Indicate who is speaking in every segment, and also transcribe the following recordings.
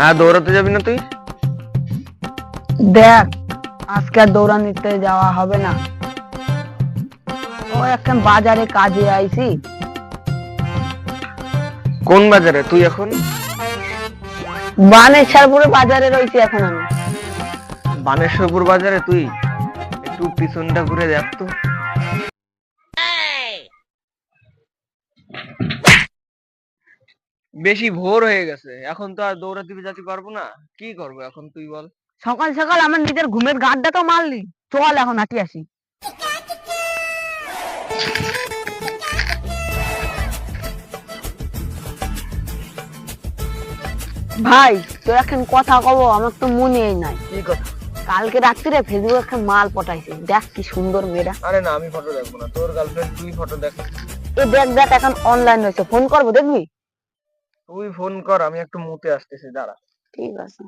Speaker 1: আর দৌড়াতে যাবি না তুই?
Speaker 2: দেখ, আজকে আর দৌড়ানিতে যাওয়া হবে না। ও এখন বাজারে কাজে আইছি।
Speaker 1: কোন বাজারে তুই এখন?
Speaker 2: বানেশ্বরপুরে বাজারে রয়েছি এখন আমি।
Speaker 1: বানেশ্বরপুর বাজারে তুই? একটু পিছনটা ঘুরে দেখ তো। বেশি ভোর হয়ে গেছে, এখন তো আর দৌড়াতে যেতে পারবো না। কি করবো এখন তুই বল?
Speaker 2: সকাল সকাল আমার নিজের ঘুমের গাঁটটা তো মারলি। চল এখন হাঁটি আসি। ভাই, তোর এখন কথা কব, আমার তো মনেই নাই।
Speaker 1: কি কথা?
Speaker 2: কালকে রাত্রিরে ফেসবুকে একটা মাল পটাইছে, দেখ কি সুন্দর মেয়েটা।
Speaker 1: আরে না, আমি ফটো দেখবো না, তোর গার্লফ্রেন্ড তুই ফটো দেখ।
Speaker 2: দেখ দেখ, এখন অনলাইন হয়েছে, ফোন করবো, দেখবি?
Speaker 1: তুই ফোন কর, আমি একটু মুতে আসতেছি, দাঁড়া।
Speaker 2: ঠিক আছে।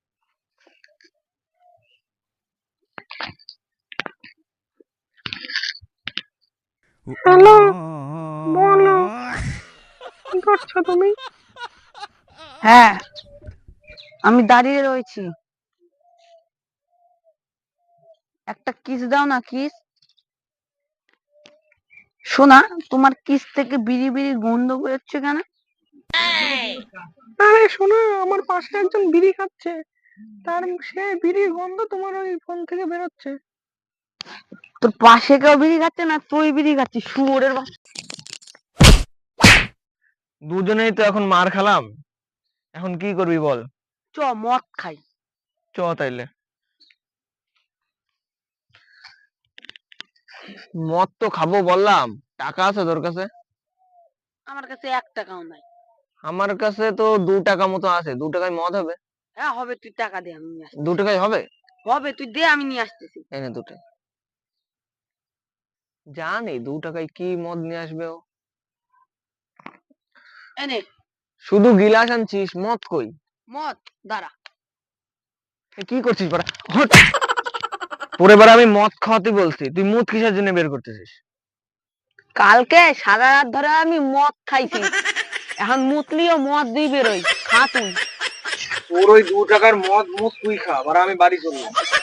Speaker 3: হ্যালো, বলো, কি করছো তুমি?
Speaker 2: হ্যাঁ, আমি দাঁড়িয়ে রয়েছি। একটা কিস দাও না, কিস। শোনা, তোমার কিস থেকে বিড়ি বিড়ি গন্ধ বেরোচ্ছে কেন?
Speaker 3: আরে শোনো, আমার পাশে একজন বিড়ি খাচ্ছে, তার সে বিড়ির গন্ধ তোমার ওই ফোন থেকে বেরোচ্ছে।
Speaker 2: তোর পাশে কেউ বিড়ি খাচ্ছে না, তুই বিড়ি খাচ্ছিস, শুয়োরের বাচ্চা।
Speaker 1: দুজনেই তো এখন মার খেলাম, এখন কি করবি বল?
Speaker 2: চ মদ খাই।
Speaker 1: চ তাইলে। মদ তো খাবো বললাম, টাকা আছে তোর কাছে?
Speaker 2: আমার কাছে 1 টাকাও নাই।
Speaker 1: আমার কাছে তো 2 টাকা মতো আছে, 2 টাকায় মদ হবে?
Speaker 2: হ্যাঁ হবে, তুই টাকা দে, আমি নিয়ে আসছি।
Speaker 1: 2 টাকায় হবে?
Speaker 2: হবে, তুই দে, আমি নিয়ে আসতেছি।
Speaker 1: এনে 2 টাকা। জানি 2 টাকায় কি মদ নিয়ে আসবে ও।
Speaker 2: এনে
Speaker 1: শুধু গিলাস আনছিস, মদ কই?
Speaker 2: মদ, দাঁড়া।
Speaker 1: এ কি করছিস বাড়া? হট! পরে বার আমি মদ খাওয়াতে বলছি, তুই মুদ কিসের জন্য বের করতেছিস?
Speaker 2: কালকে সারা রাত ধরে আমি মদ খাইছি, এখন মুতলিও মদ দিয়ে বেরোই। খা তুই।
Speaker 1: তোর ওই 2 টাকার মদ মুদ তুই খা, আর আমি বাড়ি চললাম।